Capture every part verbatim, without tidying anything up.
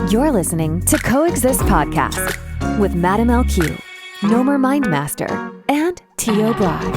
You're listening to Coexist Podcast with Madam L Q, Nomer Mindmaster, and Tio Brad.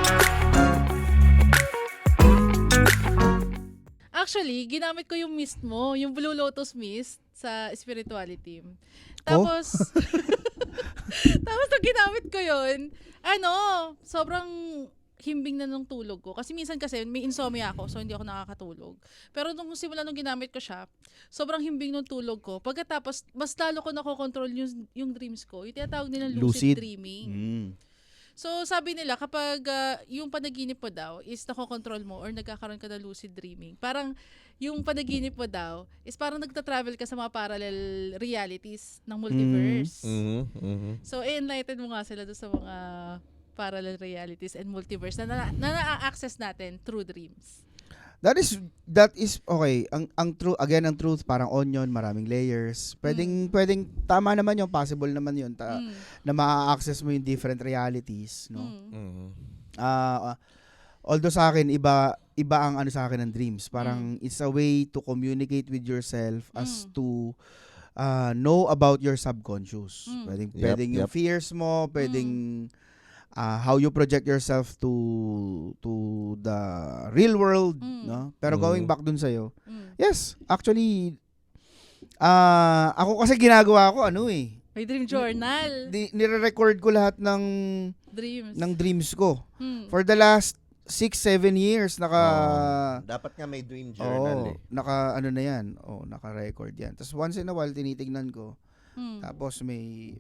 Actually, ginamit ko yung mist mo, yung Blue Lotus mist sa spirituality. Tapos, oh? Tapos nung ginamit ko yun, ano, sobrang himbing na nung tulog ko. Kasi minsan kasi may insomnia ako, so hindi ako nakakatulog. Pero nung simula nung ginamit ko siya, sobrang himbing nung tulog ko. Pagkatapos, mas lalo ko nakokontrol yung, yung dreams ko. Yung tinatawag nilang lucid, lucid dreaming. Mm. So, sabi nila, kapag uh, yung panaginip mo daw is nakokontrol mo or nagkakaroon ka ng lucid dreaming, parang yung panaginip mo daw is parang nagta-travel ka sa mga parallel realities ng multiverse. Mm-hmm. Mm-hmm. So, i-enlighten mo nga sila doon sa mga parallel realities and multiverse na, na, na na-access natin through dreams. That is that is okay. Ang ang true again ang truth parang onion, maraming layers. Pwedeng mm. pwedeng tama naman 'yung possible naman 'yun ta, mm. na ma-access mo 'yung different realities, no? Mm. Uh, although sa akin iba iba ang ano sa akin ng dreams. Parang mm. it's a way to communicate with yourself mm. as to uh, know about your subconscious. Mm. Pwedeng yep, pwedeng yep. yung fears mo, pwedeng mm. Uh, how you project yourself to to the real world, mm. no? Pero mm. going back dun sa'yo, mm. yes, actually, uh, ako kasi ginagawa ko, ano eh. May dream journal. Di, nire-record ko lahat ng dreams, ng dreams ko. Mm. For the last six, seven years, naka... Oh, dapat nga may dream journal oh, eh. Naka, ano na yan, oh, naka-record yan. Tapos once in a while, tinitignan ko. Mm. Tapos may...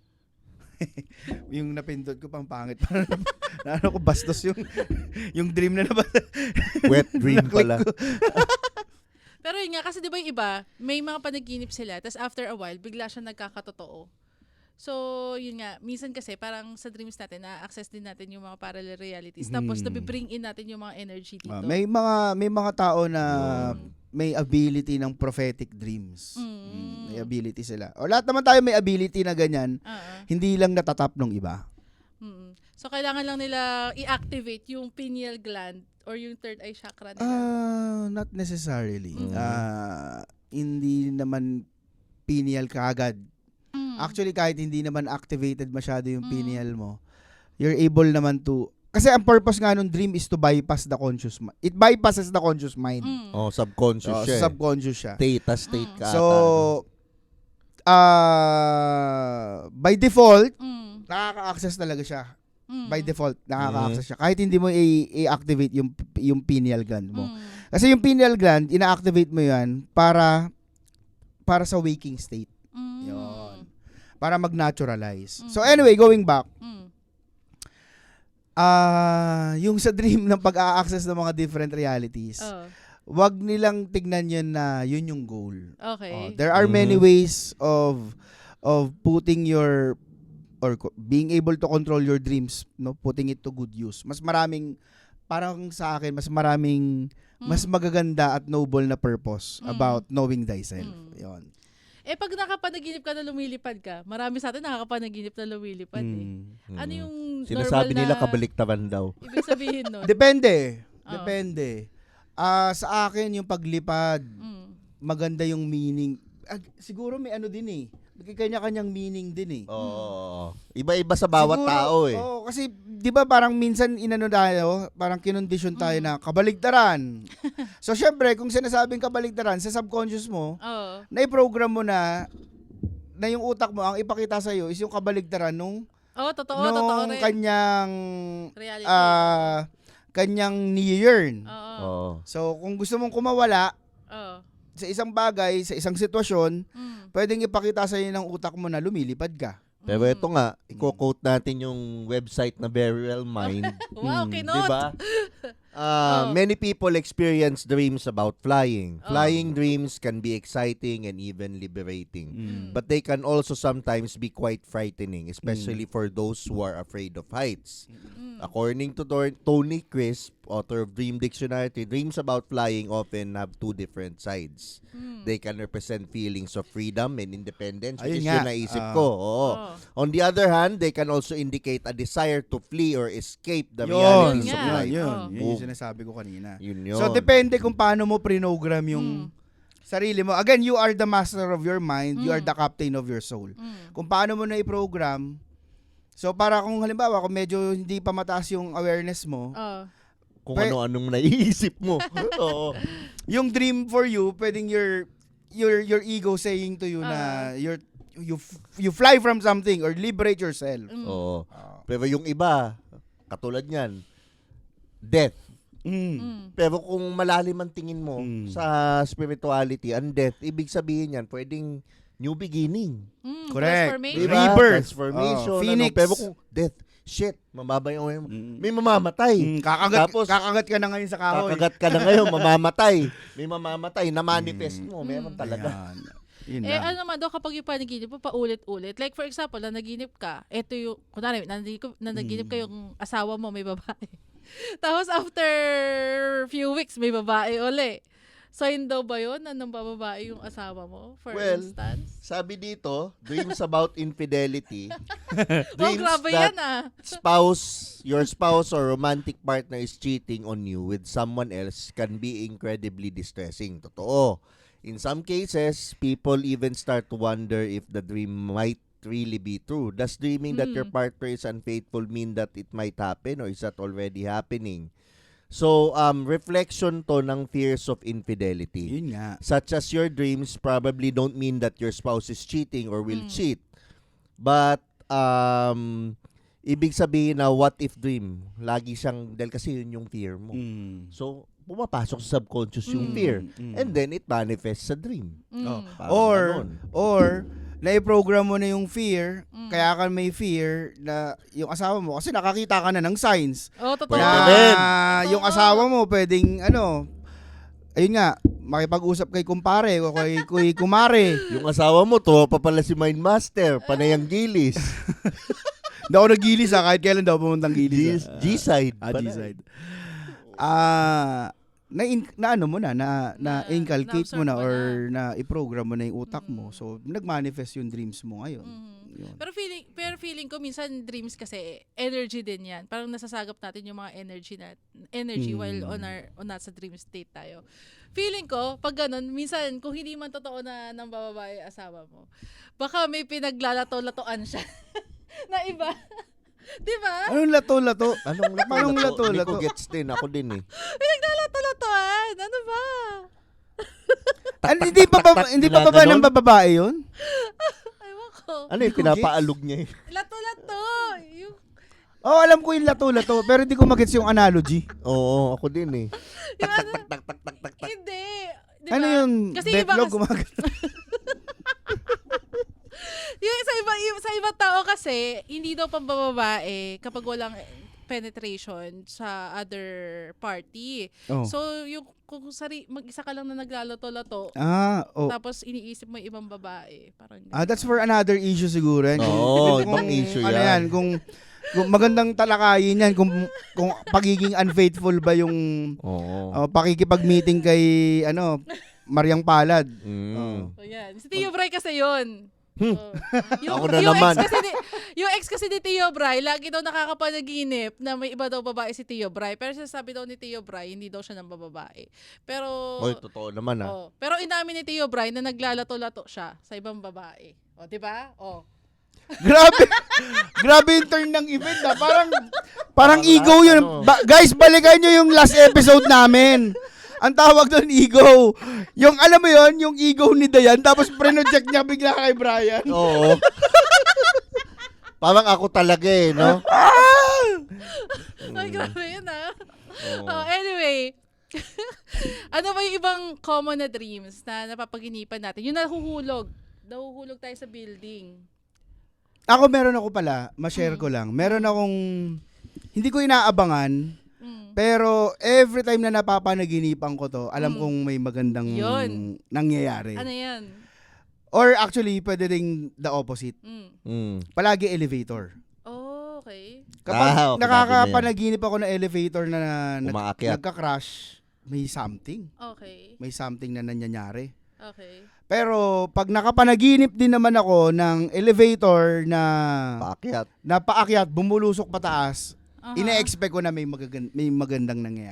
yung napindot ko pang pangit para na ano ko bastos yung yung dream na nabas. Wet dream pala. Pero yun nga kasi 'di ba yung iba, may mga panaginip sila tapos after a while bigla siya nagkakatotoo. So, yun nga, minsan kasi parang sa dreams natin na-access din natin yung mga parallel realities. Mm. Tapos nabi-bring in natin yung mga energy dito. Uh, may mga may mga tao na mm. may ability ng prophetic dreams. Mm. Mm, may ability sila. O lahat naman tayo may ability na ganyan. Uh-uh. Hindi lang natatap ng iba. Mm. So kailangan lang nila i-activate yung pineal gland or yung third eye chakra nila. Uh, not necessarily. Mm. Uh, hindi naman pineal kaagad. Mm. Actually, kahit hindi naman activated masyado yung mm. pineal mo, you're able naman to... Kasi ang purpose nga nung dream is to bypass the conscious mind. It bypasses the conscious mind. Mm. Oh, subconscious oh, siya. Subconscious siya. Theta state mm. ka. So, uh, by default, mm. nakaka-access talaga siya. Mm. By default, nakaka-access mm. siya. Kahit hindi mo i- i-activate yung, yung pineal gland mo. Mm. Kasi yung pineal gland, ina-activate mo yan para para sa waking state. Mm. Yun. Para mag-naturalize. Mm. So anyway, going back. Mm. Uh, yung sa dream ng pag-a-access ng mga different realities, oh. wag nilang tignan yun na yun yung goal. Okay. Uh, there are mm-hmm. many ways of of putting your or being able to control your dreams, no, putting it to good use. Mas maraming parang sa akin, mas maraming mm. mas magaganda at noble na purpose mm. about knowing thyself. Mm. Yun. Eh, pag nakapanaginip ka na lumilipad ka, marami sa atin nakakapanaginip na lumilipad mm. eh. Ano yung sinasabi normal nila na... kabaliktaran daw. Ibig sabihin nun? Depende. Oh. Depende. Uh, sa akin, yung paglipad, mm. maganda yung meaning. Uh, siguro may ano din eh. May kanya-kanyang meaning din eh. Oo. Iba-iba sa bawat siguro, tao eh. Oo, kasi di ba parang minsan inano tayo, parang kinondisyon tayo mm. na kabaligtaran. So syempre, kung sinasabing kabaligtaran sa subconscious mo, oh. na-program mo na na yung utak mo ang ipakita sa iyo is yung kabaligtaran nung oh, totoo, nung totoo rin. kanyang uh, kanyang ni-yearn. Oo. Oh. So kung gusto mong kumawala, oh. sa isang bagay, sa isang sitwasyon, mm. pwedeng ipakita sa iyo ng utak mo na lumilipad ka. Pero ito nga, i-quote natin yung website na Very Well Mind. Wow, hmm, kinot! Diba? Uh, oh. Many people experience dreams about flying. Oh. Flying dreams can be exciting and even liberating. Mm. But they can also sometimes be quite frightening, especially mm. for those who are afraid of heights. Mm. According to Tony Crisp, author of Dream Dictionary, dreams about flying often have two different sides. Mm. They can represent feelings of freedom and independence, which Ayun is nga. Yung naisip uh, ko. Oo. Oh. On the other hand, they can also indicate a desire to flee or escape the yun, realities yeah. of life. Yun, oh. yun yung sinasabi ko kanina. Yun yun. So, depende kung paano mo prinogram yung mm. Sarili mo. Again, you are the master of your mind, you are Mm. the captain of your soul. Mm. Kung paano mo na i-program, so para kung halimbawa, kung medyo hindi pa mataas yung awareness mo, Oh. Kung Pe- ano-anong naiisip mo. Oo. yung dream for you, pwedeng your your your ego saying to you na Ah. you're you f- you fly from something or liberate yourself. Mm. Oo. Ah. Pero yung iba, katulad niyan, death. Mm. Mm. Pero kung malalim ang tingin mo Mm. sa spirituality and death, ibig sabihin yan, pwedeng new beginning. Mm. Correct. Transformation. Diba? Rebirth. Transformation. Oh, ano. Phoenix. Pero kung death, shit, mababa yung Mm. may mamamatay. Mm, kakagat, Tapos, kakagat ka na ngayon sa kahoy. kakagat ka na ngayon, mamamatay. May mamamatay, na-manifest mo. Meron Mm. talaga. Ayan. Yun Eh, lang. ano naman daw kapag yung panaginip mo, paulit-ulit. Like, for example, nanaginip ka, eto yung, kunwari, nanaginip, nanaginip Mm. ka yung asawa mo, may babae. Tapos, after few weeks, may babae uli. Sign daw ba yun na nang bababae yung asawa mo, for Well, instance? Sabi dito, dreams about infidelity. Oh, dreams grabe that yan ah. spouse, your spouse or romantic partner is cheating on you with someone else can be incredibly distressing. Totoo. In some cases, people even start to wonder if the dream might really be true. Does dreaming that your Mm. partner is unfaithful mean that it might happen or is that already happening? So, um, reflection to ng fears of infidelity. Yun nga. Such as your dreams probably don't mean that your spouse is cheating or will Mm. cheat. But, um, ibig sabihin na what if dream, lagi siyang, dahil kasi yun yung fear mo. Mm. So, pumapasok sa subconscious yung Mm. fear. Mm. And then, it manifests sa dream. Mm. Oh. Parang Or, ganon. or, na-program mo na yung fear, Mm. kaya ka may fear na yung asawa mo, kasi nakakita ka na ng signs Oh, totoo. Pwede na rin. yung asawa mo pwedeng, ano, ayun nga, makipag-usap kay kumpare o kay, kay kumare. Yung asawa mo, to pa pala si Mindmaster, panayang gilis. Hindi ako nagilis ha, kahit kailan daw pumuntang G- gilis. ha. G-side. Ah, Panay. G-side. Ah, na, in, na ano mo na, na, na, Na- inculcate mo na na-absorb mo or na i-program mo na yung utak mo. Mm. So, nag-manifest yung dreams mo ngayon. Mhm. Yun. Pero feeling pero feeling ko minsan dreams kasi energy din 'yan. Parang nasasagap natin yung mga energy na energy Mm. while on our on nasa dream state tayo. Feeling ko pag ganun minsan kung hindi man totoo na ng babae asawa mo, baka may pinaglalato-latoan siya na iba. 'Di ba? Anong lato-lato? Anong lato? Anong lato, Hindi lato? ko gets din. Ako din eh. Pinaglalato-latoan. Ano ba? Ano, hindi pa ba, hindi pa ba, ba ng babae yun? Ewan ko. Ano yung Hindi ko pinapaalog niya eh? Lato-lato. Yung Oo, oh, alam ko yung lato-lato, pero hindi ko magets yung analogy. Oo, ako din eh. yung ano, hindi. Diba? Ano yung Kasi iba betlog kasi- gumagano? Yung sa iba yung, sa ibang tao kasi hindi daw pambababae kapag walang penetration sa other party. Oh. So yung kung sari mag-isa ka lang na naglalato-lato Ah, oh. tapos iniisip mo yung ibang babae, parang Ah, that's for another issue siguro. Yan. Kung- Oo, kung- ibang issue ano yan. yan. Kung, kung magandang talakayin yan, kung, kung pagiging unfaithful ba yung Oo. uh, pakikipag-meeting kay, ano, Mariang Palad. Mm. Oh. So yan. Si Tio Bray kasi yun. Hmm. Oh. Yung, Ako na yung naman. Ex kasi ni, yung ex kasi ni Tio Bray, lagi daw nakakapanaginip na may iba daw babae si Tio Bray. Pero sasabi daw ni Tio Bray, hindi daw siya ng bababae. Pero, Oy, totoo naman ah. oh, pero inamin ni Tio Bray na naglalato-lato siya sa ibang babae. O, di ba? O. Grabe. Grabe yung turn ng event na. Parang, parang Parang ego yun. ano. Ba- guys, balikan nyo yung last episode namin. Ang tawag doon, ego. Yung, alam mo yon yung ego ni Dayan, tapos pre-project niya bigla kay Brian. Oo. Parang ako talaga eh, no? Ay, grabe yun ah. Oo. Oh, anyway. Ano ba yung ibang common na dreams na napapaginipan natin? Yung nahuhulog. Nahuhulog tayo sa building. Ako meron ako pala, ma-share ko lang. Meron akong, hindi ko inaabangan, Mm. pero every time na napapanaginipan ko to, alam Mm. kong may magandang Yun. nangyayari. Ano yan? Or actually, pwede ring the opposite. Mm. Mm. Palagi elevator. Oh, okay. Kapag Ah, okay, nakakapanaginip ako ng elevator na nag- Umaakyat. nagka-crash, may something. Okay. May something na nangyayari. Okay. Pero pag nakapanaginip din naman ako ng elevator na Paakyat. na paakyat, bumulusok pataas, Aha. ine-expect ko na may, magagan- may magandang nangyayari.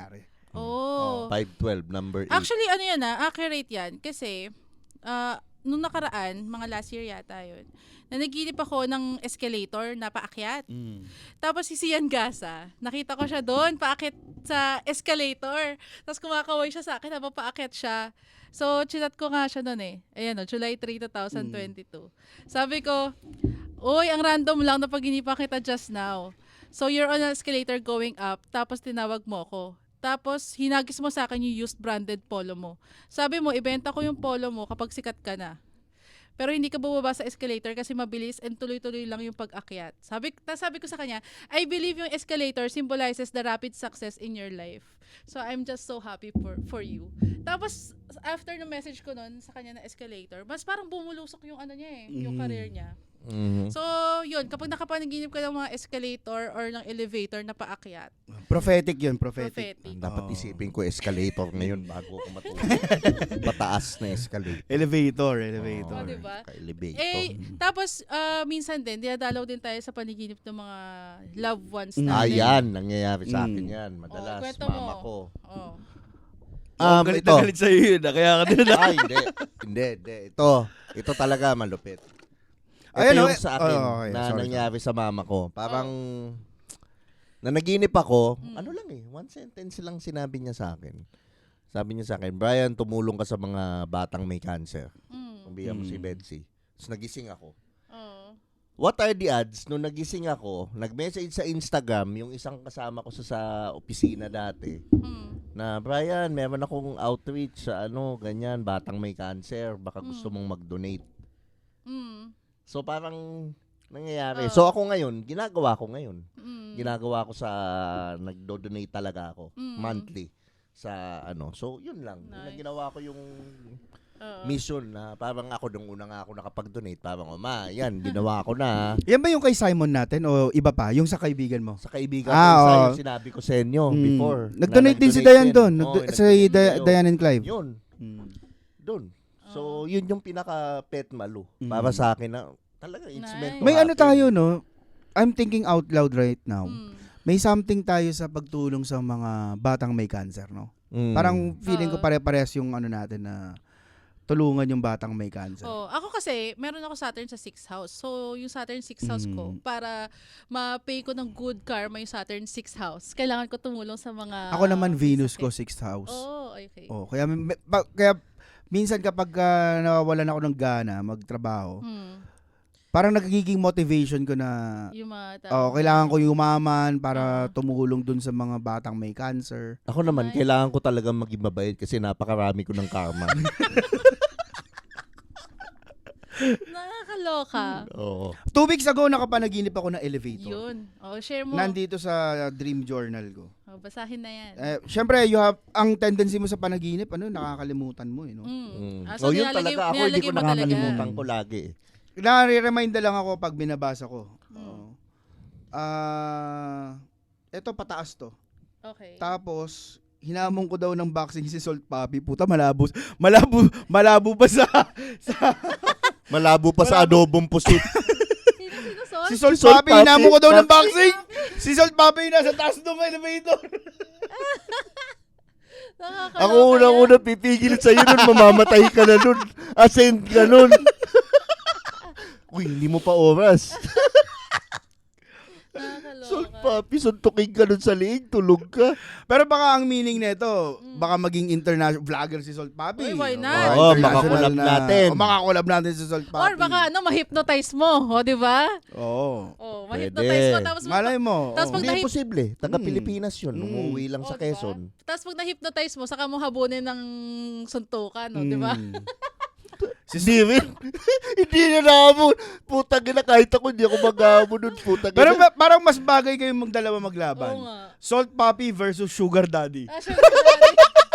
Oh. five twelve, number eight. Actually, ano yan ah, accurate yan. Kasi, ah, nung nakaraan, mga last year yata yun, na naginip ako ng escalator na paakyat. Mm. Tapos si Sian Gasa, nakita ko siya doon, paakyat sa escalator. Tapos kumakaway siya sa akin habang paakyat siya. So, chinat ko nga siya noon eh. Ayan o, July third, twenty twenty-two. Sabi ko, uy, ang random lang na paginipan kita just now. So, you're on an escalator going up, tapos tinawag mo ko. Tapos, hinagis mo sa akin yung used branded polo mo. Sabi mo, ibenta ko yung polo mo kapag sikat ka na. Pero hindi ka bumaba sa escalator kasi mabilis and tuloy-tuloy lang yung pag-akyat. Sabi, ta sabi ko sa kanya, I believe yung escalator symbolizes the rapid success in your life. So I'm just so happy for for you. Tapos after ng message ko nun sa kanya na escalator, mas parang bumulusok yung ano niya eh, yung Mm. career niya. Mhm. So yun, kapag nakapanaginip ka ng mga escalator or ng elevator na paakyat, Prophetic yun, prophetic. prophetic. Dapat Oo. isipin ko escalator ngayon bago ako matulog. Mataas na escalator. Elevator, Oh, elevator. diba? Ka-elevator. Eh, tapos ah, minsan din, dinadalaw din tayo sa paniginip ng mga loved ones Mm. natin. Ayan, nangyayari sa akin Mm. yan. Madalas, Oh, kwento mama mo. ko. Oh. Um, galit ito. na galit sa'yo yun, ah, kaya ka din na. Ay, hindi. Hindi, hindi. Ito. Ito talaga malupit. Ito Ayan, yung okay. sa akin Oh, okay. na Sorry, nangyari sa mama ko. Parang, na naginip ako, Mm. ano lang eh, one sentence lang sinabi niya sa akin. Sabi niya sa akin, Brian, tumulong ka sa mga batang may cancer. Mm. Kumbiya mo si Mm. Betsy. Tapos nagising ako. Oh. What are the odds, nung nagising ako, nag-message sa Instagram, yung isang kasama ko sa, sa opisina dati, Mm. na, Brian, meron akong outreach sa ano, ganyan, batang may cancer, baka gusto Mm. mong mag-donate. Mm. So parang nangyayari. Oo. So ako ngayon, ginagawa ko ngayon. Mm. Ginagawa ko sa, nagdo-donate talaga ako, Mm. monthly, sa ano. So yun lang, yun ang Nice. ginawa ko yung Oo. mission na parang ako, nung una nga ako nakapag-donate, parang, oh, ma, yan, ginawa ko na. Yan ba yung kay Simon natin o iba pa? Yung sa kaibigan mo? Sa kaibigan Ah, ko, isa oo. yung sinabi ko sa inyo Mm. before. Nag-donate na din si Dayan doon. Oo, Nag- nag-donate si Di- kayo. Diane and Clive. Yun, Mm. doon. Oo. So, yun yung pinaka-pet malu Mm. para sa akin na talaga it's Nice. meant to May ano happen. tayo, no? I'm thinking out loud right now. Mm. May something tayo sa pagtulong sa mga batang may cancer, no? Mm. Parang feeling ko Oo. pare-parehas yung ano natin na tulungan yung batang may cancer. Oh, ako kasi, meron ako Saturn sa sixth house. So, yung Saturn sixth house ko, Mm. para ma-pay ko ng good karma yung Saturn sixth house, kailangan ko tumulong sa mga... Ako naman Venus ko sakit. sixth house. Oh, okay. Oh, kaya may- pa- kaya minsan kapag ah, nawawalan ako ng gana magtrabaho, Hmm. parang nagiging motivation ko na Yung mga oh, kailangan ko yumaman para Oo. tumulong dun sa mga batang may cancer. Ako naman, Nice. kailangan ko talagang maging mabait kasi napakarami ko ng karma. Nakakaloka. Oo. Two weeks ago nakapanaginip ako ng elevator. Yun. Oh, share mo. Nandito sa dream journal ko. Oh, basahin na yan. Eh, syempre, you have, ang tendency mo sa panaginip, ano, nakakalimutan mo, eh, no? Mm. Mm. Ah, Oh, yun nilalagay- talaga. Ako hindi nilalagay ko mo talaga. nakakalimutan ko lagi. eh. Nare-remind na lang ako pag binabasa ko. Mm. Oo. Ah, eto pataas to. Okay. Tapos hinamon ko daw ng boxing si Salt Papi. Puta, malabo. Malabo, malabo pa sa, sa Malabo pa sa adobong pusit. Sino, sino, Sol? si Salt, Salt Papi. Papi. Hinamon ko daw ng Papi. boxing. Si Salt Papi nasa taas ng elevator. Nakakaloka Ako yan. unang-una pipigil sa'yo nun, mamamatay ka na nun. Ascend ka nun. Uy, hindi mo pa oras. Nakakaloka. Salt Papi, suntukin ka nun sa liig, tulog ka. Pero baka ang meaning nito, Mm. baka maging international vlogger si Salt Papi. Uy, why not? Baka Oo, international makakolab na- natin. O makakolab natin si Salt Papi. Or baka ano, ma-hypnotize mo. O, di ba? Oo. Oh, Pwede. ma-hypnotize mo. Tapos, Malay mo. Tapos oo. pag Hindi nahip- posible. Taga Mm. Pilipinas yun. Mm. Umuwi lang Oh, sa diba? Quezon. tapos pag na-hypnotize mo, saka mo habunin ng suntukan, no, di ba? Mm. Hindi rin. Hindi na nahamon. Putang ina, kahit ako hindi ako maghamon nun. Putang Pero ina. ba- parang mas bagay kayong magdalawa maglaban. Oo nga. Salt Papi versus Sugar Daddy. Ah, syempre, daddy.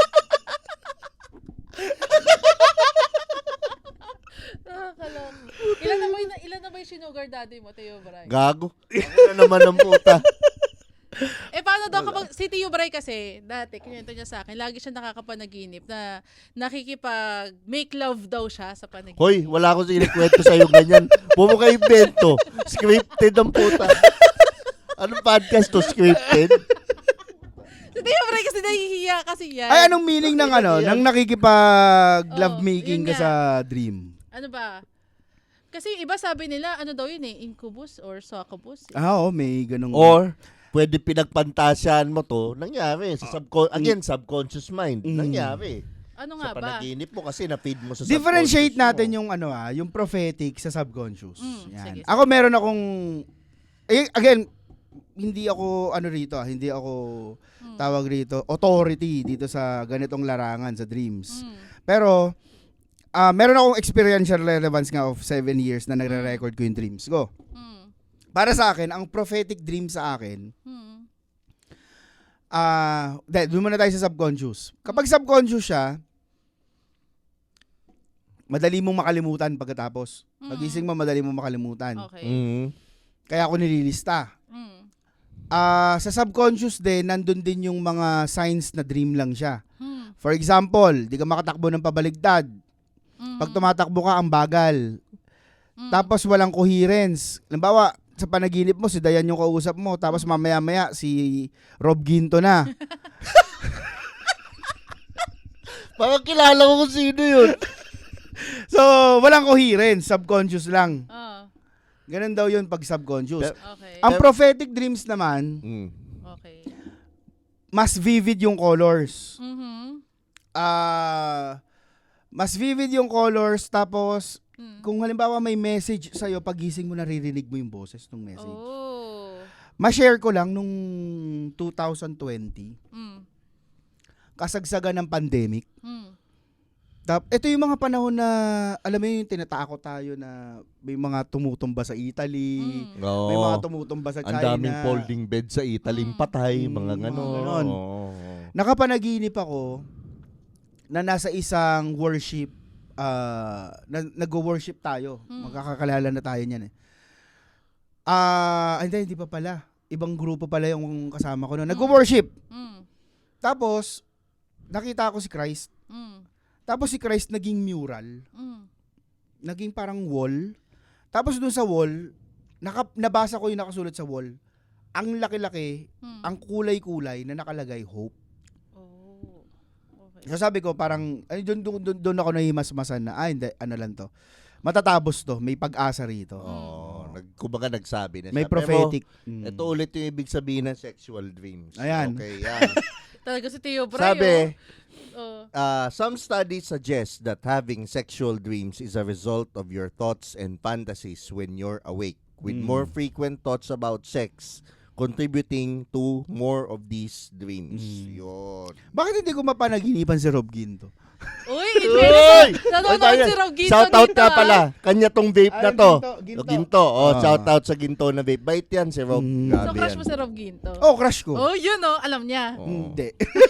Nakakaloka. Ilan na ba yung, ilan na ba yung sinugar daddy mo, Teo Bray? Gago. Ano na naman ang puta. Eh, paano daw kapag, si Teo Bray kasi, dati, kinuwento niya sa akin, lagi siya nakakapanaginip na nakikipag make love daw siya sa panaginip. Hoy, wala akong sinikwento sa'yo ganyan. Bumo kayo invento. Scripted ang puta. Anong podcast to? Scripted? Teo Bray kasi nahihiya kasi yan. Ay, anong meaning ng ano? Nang nakikipag-love Oo, making yun ka nga. sa dream? Ano ba? Kasi yung iba sabi nila, ano daw yun eh, incubus or succubus. Eh. Ah, oo, may ganung... Or, pwede pinagpantasyan mo to, nangyari. Sa subcon- again, subconscious mind, Mm. nangyari. Ano nga Sa ba? panaginip mo kasi na-feed mo sa Differentiate subconscious natin mo. yung ano ah, yung prophetic sa subconscious. Mm, Yan. sige, Ako meron akong eh, again, hindi ako ano rito ah, hindi ako Mm. tawag rito authority dito sa ganitong larangan sa dreams. Mm. Pero ah meron akong experiential relevance nga of seven years na nagre-record ko yung dreams ko. Mm. Para sa akin, ang prophetic dream sa akin, Mm. ah, uh, doon muna tayo sa subconscious. Kapag subconscious siya, madali mong makalimutan pagkatapos. Mm. Pagising mo, madali mong makalimutan. Okay. Mhm. Kaya ako nililista. Mm. Ah, sa subconscious din, nandun din yung mga signs na dream lang siya. Mm. For example, di ka makatakbo ng pabaligtad. Mm. Pag tumatakbo ka, ang bagal. Mm. Tapos walang coherence. Halimbawa, sa panaginip mo, si Dayan yung kausap mo. Tapos mamaya-maya, si Rob Ginto na. Parang kilala ko kung sino yun. So, walang coherence. Subconscious lang. Ah, Ganun daw yun pag subconscious. Pero- okay. Ang prophetic dreams naman, Mm. Okay. mas vivid yung colors. Mhm. Ah, mas vivid yung colors, tapos Mm. kung halimbawa may message sa'yo, pagising mo naririnig mo yung boses ng message. Oh. Ma-share ko lang nung twenty twenty, Mm. kasagsagan ng pandemic. Mm. Tap, ito yung mga panahon na, alam mo yung tinatakot tayo na may mga tumutumba sa Italy, Mm. Oo. may mga tumutumba sa Ang China. daming folding bed sa Italy, Mm. patay, Mm, mga mga ganon. ganon. Oo. Nakapanaginip ako na nasa isang worship, ah, na, nag-worship tayo. Mm. Magkakakalala na tayo niyan eh. Ah, hindi, hindi pa pala. Ibang grupo pala yung kasama ko noon. Nag-worship. Mm. Tapos, nakita ko si Christ. Mm. Tapos si Christ naging mural. Mm. Naging parang wall. Tapos dun sa wall, naka, nabasa ko yung nakasulat sa wall. Ang laki-laki, Mm. ang kulay-kulay na nakalagay hope. Oh. Okay. So sabi ko parang, ay, dun, dun, dun, dun ako nahimasmasan na, ah hindi, ano lang to. Matatapos to, may pag-asa rito. Oo. Nag, kumbaga nagsabi na May siya. prophetic. Pero, Mm. ito ulit yung ibig sabihin ng sexual dreams. Ayan. Okay, yan. Talaga si Teo Bray. Sabi, Oh. Uh, some studies suggest that having sexual dreams is a result of your thoughts and fantasies when you're awake, with Mm. more frequent thoughts about sex contributing to more of these dreams. Mm. Yun. Bakit hindi ko mapanaginipan si Rob Ginto? Uy, in fairness, Oy, nanonood si Rob Ginto shout out dito, ka ah. pala. Kanya tong vape na Ay, to. Ginto, Ginto. O, Ginto. Oh, Ah. shout out sa Ginto na vape. Bait yan si Rob. Mm. Grabe So, crush yan. mo si Rob Ginto? Oh, crush ko. Oh, yun oh, alam niya. Oo. Hindi.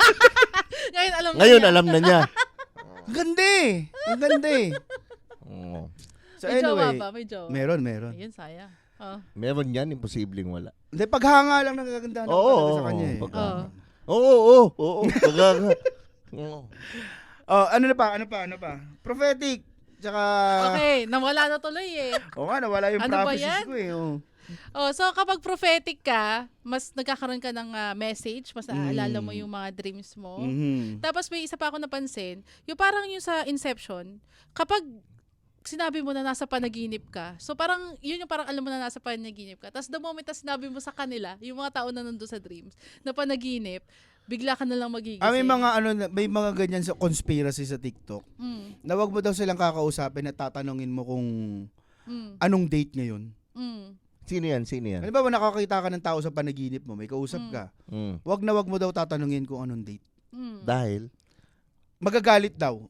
Ngayon alam Ngayon niya. alam na niya. Ang ganda eh. Ang ganda eh. Oo. So May jowa anyway, ba? May jowa. meron, meron. Ayun, sayang. Oh. Meron yan, imposibleng wala. Hindi, paghanga lang nagaganda na Oo, talaga oo, sa kanya eh. pagka- Oh. Oo, oo, oo. Pagka- Oo. Oh, ano na pa? Ano pa? Ano pa? Prophetic. Tsaka Okay, nawala na tuloy eh. Oo nga, nawala yung Ano ba prophecies yan? ko eh. Oh. Oh, so kapag prophetic ka, mas nagkakaroon ka ng ah, message, mas naaalala mo Mm. yung mga dreams mo. Mhm. Tapos may isa pa ako napansin, yung parang yung sa Inception, kapag sinabi mo na nasa panaginip ka, so parang yun yung parang alam mo na nasa panaginip ka. Tapos the moment na sinabi mo sa kanila, yung mga tao na nandun sa dreams, na panaginip, bigla ka na lang magigising. Ah, may mga ano, na- may mga ganyan sa conspiracy sa TikTok. Mm, Na wag mo daw silang kakausapin at tatanungin mo kung mm, anong date ngayon. mm. Sino yan? Sino yan? Halimbawa, nakakita ka ng tao sa panaginip mo, may kausap Mm. ka. Mm. Wag na wag mo daw tatanungin kung anong date. Mm. Dahil? Magagalit daw.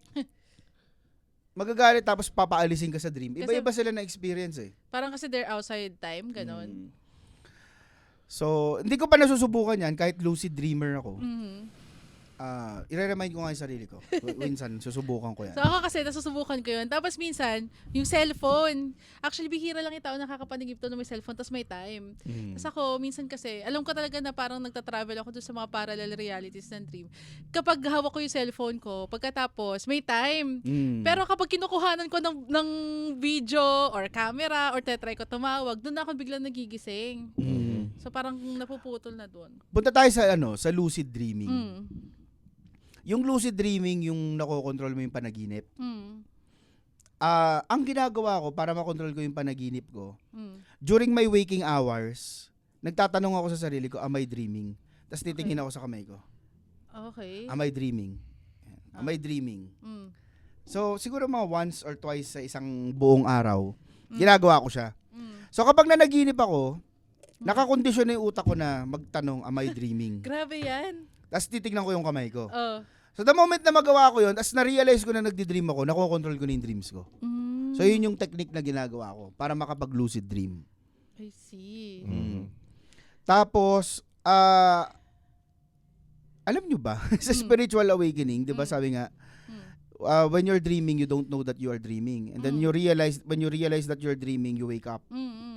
Magagalit tapos papaalisin ka sa dream. Kasi- Iba-iba sila na experience eh. Parang kasi they're outside time, ganon. Mm. So, hindi ko pa nasusubukan yan kahit lucid dreamer ako. Mhm. Ah, i-remind ko nga yung sarili ko. Minsan, susubukan ko yan. So ako kasi nasusubukan ko yun. Tapos minsan, yung cellphone. Actually, bihira lang yung tao nakakapanigip to na may cellphone tapos may time. Mm. Tapos ako, minsan kasi, alam ko talaga na parang nagta-travel ako doon sa mga parallel realities ng dream. Kapag hawak ko yung cellphone ko, pagkatapos, may time. Mm. Pero kapag kinukuhanan ko ng, ng video or camera or tetry ko tumawag, doon na ako biglang nagigising. Mm. So parang napuputol na doon. Punta tayo sa ano, sa lucid dreaming. Mm. Yung lucid dreaming, yung nakokontrol mo yung panaginip. Mm. Ah, ang ginagawa ko para makontrol ko yung panaginip ko, Mm. during my waking hours, nagtatanong ako sa sarili ko, am I dreaming? Tapos titingin Okay. ako sa kamay ko. Okay. Am I dreaming? Am I dreaming? Mm. So, siguro mga once or twice sa isang buong araw, Mm. ginagawa ko siya. Mm. So, kapag nanaginip ako, nakakondisyon na yung utak ko na magtanong, am I dreaming? Grabe yan. Tapos titignan ko yung kamay ko. Oh. So, the moment na magawa ko yun, tapos na-realize ko na nagdi-dream ako, nakokontrol ko na yung dreams ko. Mm. So, yun yung technique na ginagawa ko para makapag-lucid dream. I see. Mm. Tapos, ah, alam nyo ba, sa Mm. spiritual awakening, di ba Mm. sabi nga, Mm. uh, when you're dreaming, you don't know that you are dreaming. And then Mm. you realize, when you realize that you're dreaming, you wake up. Mm. Mm.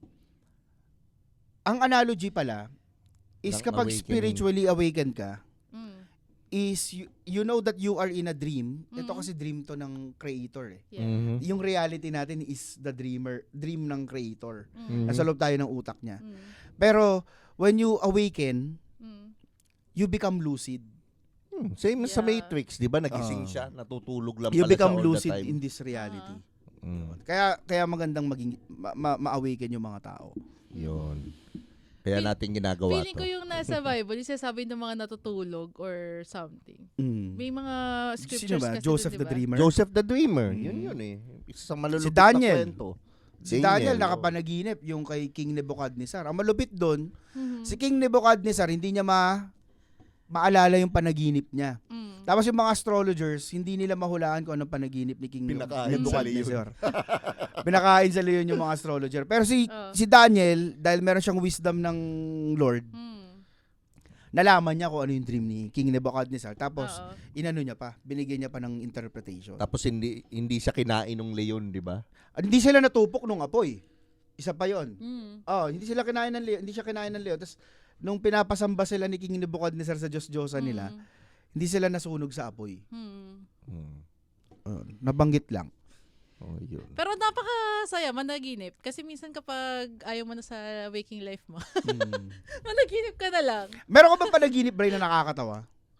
Ang analogy pala, is Ng kapag awakening. spiritually awakened ka, Mm. is you, you know that you are in a dream. Ito Mm. kasi dream to ng creator eh. Yeah. Mhm. Yung reality natin is the dreamer, dream ng creator. Mm. Nasa loob tayo ng utak niya. Mm. Pero, when you awaken, Mm. you become lucid. Hmm, Same sa Yeah. Matrix, di ba? Nagising Ah. siya, natutulog lang You pala become siya all lucid the time. in this reality. Mm. Kaya kaya magandang maging ma- ma- ma-awaken yung mga tao. Yun. Kaya Feel- natin ginagawa Feeling to. ko yung nasa Bible, yung sinasabi ng mga natutulog or something. May mga scriptures Sino ba? kasi Joseph dun, the diba? Dreamer. Joseph the Dreamer. Mm. Yun yun eh. Isa sa malulupit Si Daniel. na kwento. Si Daniel oh. nakapanaginip yung kay King Nebuchadnezzar. Ang malupit doon, Mhm. si King Nebuchadnezzar hindi niya ma maalala yung panaginip niya. Mm. Tapos yung mga astrologers, hindi nila mahulaan kung anong panaginip ni King Pinakain Nebuchadnezzar. Pinakain sa leon yung mga astrologer. Pero si Oh. si Daniel, dahil meron siyang wisdom ng Lord, Mm. nalaman niya kung ano yung dream ni King Nebuchadnezzar. Tapos Oo. inano niya pa, binigyan niya pa ng interpretation. Tapos hindi hindi siya kinain ng leon, di ba? Ah, hindi sila natupok nung apoy. Isa pa 'yon. Mm. Oh, hindi sila kinain ng leon, hindi siya kinain ng leon. Tapos nung pinapasamba sila ni King Nebuchadnezzar sa Diyos-Diyosa nila, Mm. hindi sila nasunog sa apoy. Mm. Hmm. Uh, nabanggit lang. Oh, yun. Pero napakasaya managinip kasi minsan kapag ayaw mo na sa waking life mo, Mm. managinip ka na lang. Meron ka bang panaginip, Bray, na nakakatawa?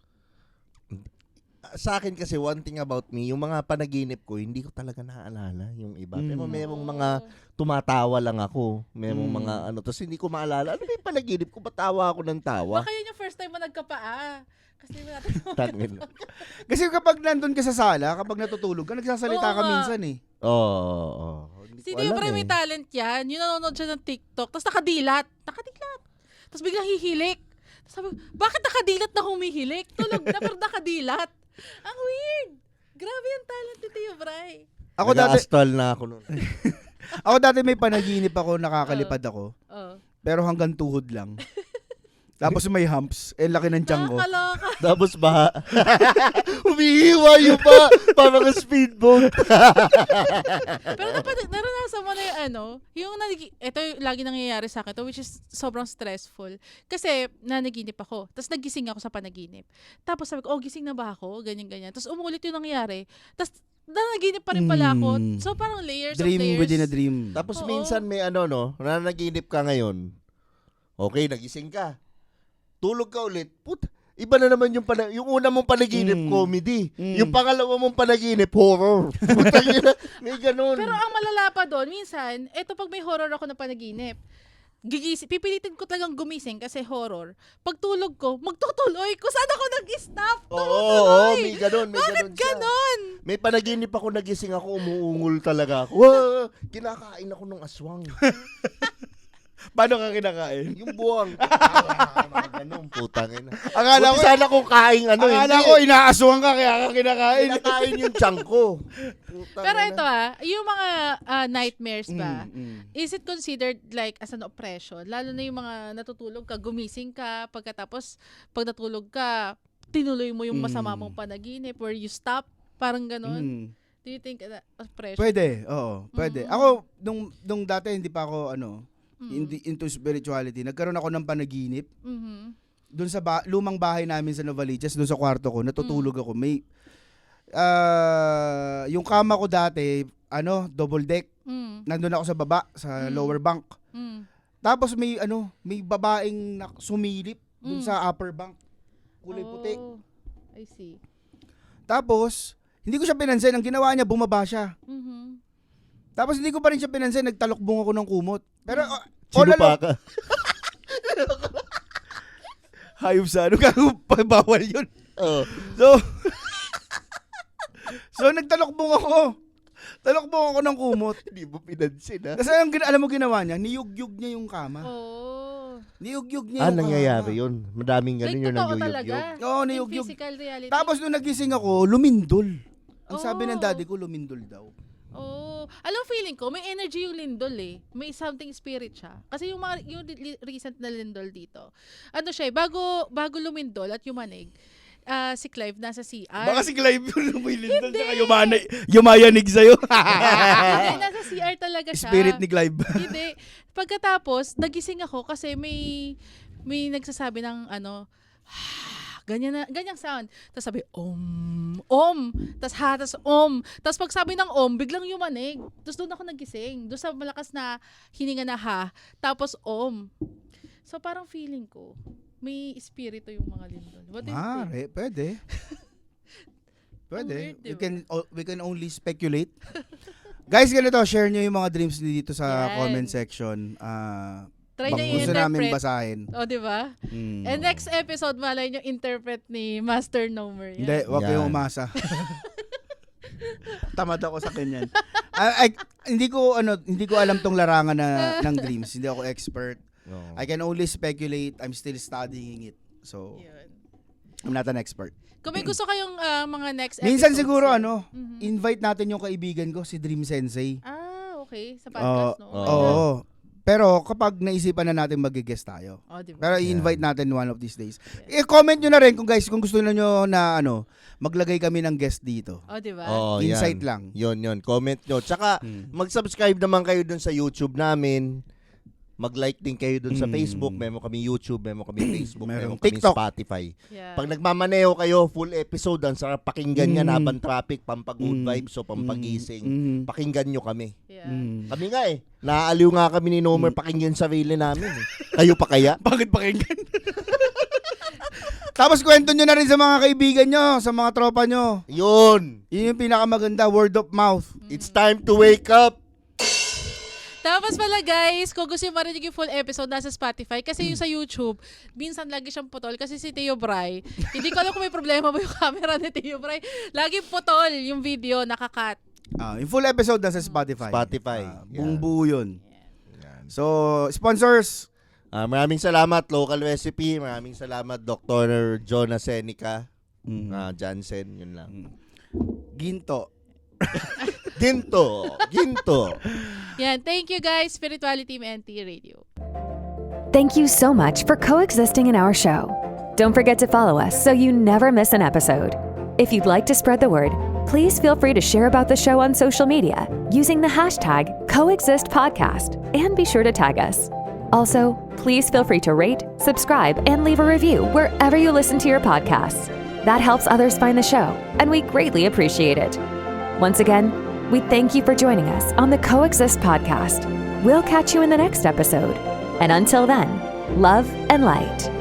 Sa akin kasi one thing about me, yung mga panaginip ko, hindi ko talaga naaalala yung iba. Mm. Pero merong Oo. mga tumatawa lang ako. Merong Mm. mga ano, tapos hindi ko maalala. Ano ba yung panaginip ko? Ba't tawa ako ng tawa? Baka yun yung first time mo nagkapaa. Kasi natin Tangin. Kasi kapag nandun ka sa sala, kapag natutulog ka, nagsasalita Oo ka nga. minsan eh. Oo. Oh, oh. Hindi Si ko Tio alam Bray eh. may talent yan. Yung nanonood siya ng TikTok. Tapos nakadilat. Nakadilat. Tapos biglang hihilik. Tapos sabi ko, bakit nakadilat na humihilik? Tulog na pero nakadilat. Ang weird. Grabe yung talent ni Tio Bray. Ako dati, Nag-astral na ako noon. ako dati may panaginip ako, nakakalipad ako, Oh. pero hanggang tuhod lang. Tapos may humps, eh laki ng tiyan ko. Nakakaloka. Tapos ba? Umiiwa yung pa. Parang speedboat. Pero napad- naranasan mo na yung ano, yung nanig- ito yung lagi nangyayari sa akin to, which is sobrang stressful. Kasi nanaginip ako, tapos nagising ako sa panaginip. Tapos sabi ko, oh, gising na ba ako? Ganyan, ganyan. Tapos umulit yung nangyari. Tapos nanaginip pa rin pala ako. Mm. So parang layers Dream of layers. within a dream. Tapos Oo. minsan may ano no, nanaginip ka ngayon. Okay, nagising ka. Tulog ka ulit. Put, iba na naman yung pana- yung una mong panaginip, Mm. comedy. Mm. Yung pangalawa mong panaginip, horror. Putang ina, may ganun. Pero ang malala pa doon, minsan, eto pag may horror ako na panaginip, gigisi, pipilitin ko talagang gumising kasi horror. Pagtulog ko, magtutuloy ko. Saan ako nag-stop? Oo, oo, oo, may ganun, may Bakit ganun siya. ganon? May panaginip ako, nagising ako, umuungol talaga ako. Wah, kinakain ako ng aswang. Paano ka kinakain? Yung buwang. Ah, mga ganun, putang ina. Akala ko, Buti sana kung kain ano, akala hindi. ko inaaswang ka kaya ka kinakain. Kinakain yung tiyan ko. Putang Pero ina. ito ah, yung mga ah, nightmares ba, Mm, mm. is it considered like as an oppression? Lalo na yung mga natutulog ka, gumising ka, pagkatapos pag natulog ka, tinuloy mo yung masama Mm. mong panaginip where you stop, parang ganon. Mm. Do you think uh, oppression? Pwede, oo, pwede. Mm. Ako, nung, nung dati hindi pa ako, ano, Mm. hindi into spirituality, nagkaroon ako ng panaginip. Mhm. Doon sa ba- lumang bahay namin sa Novaliches, doon sa kwarto ko, natutulog Mm. ako. May, ah, yung kama ko dati, ano, double deck. Mm. Nandun ako sa baba, sa Mm. lower bunk. Mm. Tapos may ano, may babaeng na- sumilip dun Mm. sa upper bank. Kulay puti. Oh, I see. Tapos, hindi ko siya pinansin. Ang ginawa niya, bumaba siya. Mhm. Tapos hindi ko pa rin siya pinansin. Nagtalokbong ako ng kumot. Pero, uh, Sino all pa along- ka? Hayop sa ano, gago, bawal yun. Oh. So, so nagtalokbong ako. Talokbong ako ng kumot. Hindi mo pinansin, ha? Kasi alam, alam mo ginawa niya, niyugyug niya yung kama. Oh. Niyugyug niya Ah, yung nangyayari kama. yun. Madaming ganun Like, yun ang totoo talaga. yuyug-yug. Oo, In niyugyug. physical reality. Tapos nung nagising ako, lumindol. Ang sabi ng Oh. daddy ko, lumindol daw. Oh, alam feeling ko may energy yung lindol eh. May something spirit siya. Kasi yung mga yung li- recent na lindol dito. Ano siya, eh, bago bago lumindol at yumanig, ah, si Clive nasa C R. Baka si Clive yung lumilindol tsaka yumana, yumayanig sa'yo. Hindi, nasa C R talaga siya. Spirit ni Clive. Hindi. Pagkatapos, nagising ako kasi may may nagsasabi ng ano, ganyan na, ganyang sound. Tapos sabi, om, om. Tapos ha, tapos om. Tapos pag sabi ng om, biglang yumanig. Tapos doon ako nagising. Doon sa malakas na hininga na ha. Tapos om. So parang feeling ko, may espiritu yung mga lindol. What do you Ah, think? re, pwede. Pwede. Ang weird, We diba? can o- we can only speculate. Guys, ganito, share nyo yung mga dreams niyo dito sa Yan. comment section. Ah, Try bak- na gusto namin i-interpret. basahin. O, di ba? Mm. And next episode, malay nyo interpret ni Master Nomer. Yan. Hindi, wag Yan. kayong umasa. Tamad ako sa kanyan. I, I- hindi ko ano, hindi ko alam tong larangan na ng dreams. Hindi ako expert. Oo. I can only speculate. I'm still studying it. So, Yun. I'm not an expert. Kung may gusto kayong ah, mga next episodes. Minsan siguro eh. ano, Mhm. invite natin yung kaibigan ko si Dream Sensei. Ah, okay. Sa Oo. podcast, no? Oo. Pero kapag naisipan na natin mag-guest tayo. Oh, diba? Pero i-invite natin one of these days. I-comment nyo na rin kung guys, kung gusto niyo na ano, maglagay kami ng guest dito. Oh, diba? Oo, Insight yan. lang. Yun, yun. Comment nyo. Tsaka, Hmm. mag-subscribe naman kayo dun sa YouTube namin. Mag-like din kayo dun sa Mm. Facebook. Meron kami YouTube, meron kami Facebook, Meron meron kami TikTok. Spotify. Yeah. Pag nagmamaneho kayo, full episode, ang sarap pakinggan yan Mm. habang traffic, pampag-good Mm. vibes o pampagising. Mm. Pakinggan nyo kami. Yeah. Mm. Kami nga eh. Naaaliw nga kami ni Nomer pakinggan sarili namin eh. Kayo pa kaya? Bakit pakinggan? Tapos kwento nyo na rin sa mga kaibigan nyo, sa mga tropa nyo. Yun! Yun yung pinakamaganda, word of mouth. It's time to wake up! Tapos pala guys, kung gusto yung marinig yung full episode, nasa Spotify. Kasi yung sa YouTube, minsan lagi siyang putol. Kasi si Teo Bray, hindi ko alam kung may problema ba yung camera ni Teo Bray. Lagi putol yung video, nakakat. Ah, yung full episode nasa Spotify. Spotify. Ah, Yeah. buong buo yun. Yan. So, sponsors. Ah, maraming salamat, Local Recipe. Maraming salamat, Doctor Jonah Seneca. Mm. Ah, Jansen, yun lang. Ginto. Ginto! Ginto! Yan, thank you guys, Spirituality M N T Radio. Thank you so much for coexisting in our show. Don't forget to follow us so you never miss an episode. If you'd like to spread the word, please feel free to share about the show on social media using the hashtag CoexistPodcast and be sure to tag us. Also, please feel free to rate, subscribe, and leave a review wherever you listen to your podcasts. That helps others find the show, and we greatly appreciate it. Once again, we thank you for joining us on the Coexist Podcast. We'll catch you in the next episode. And until then, love and light.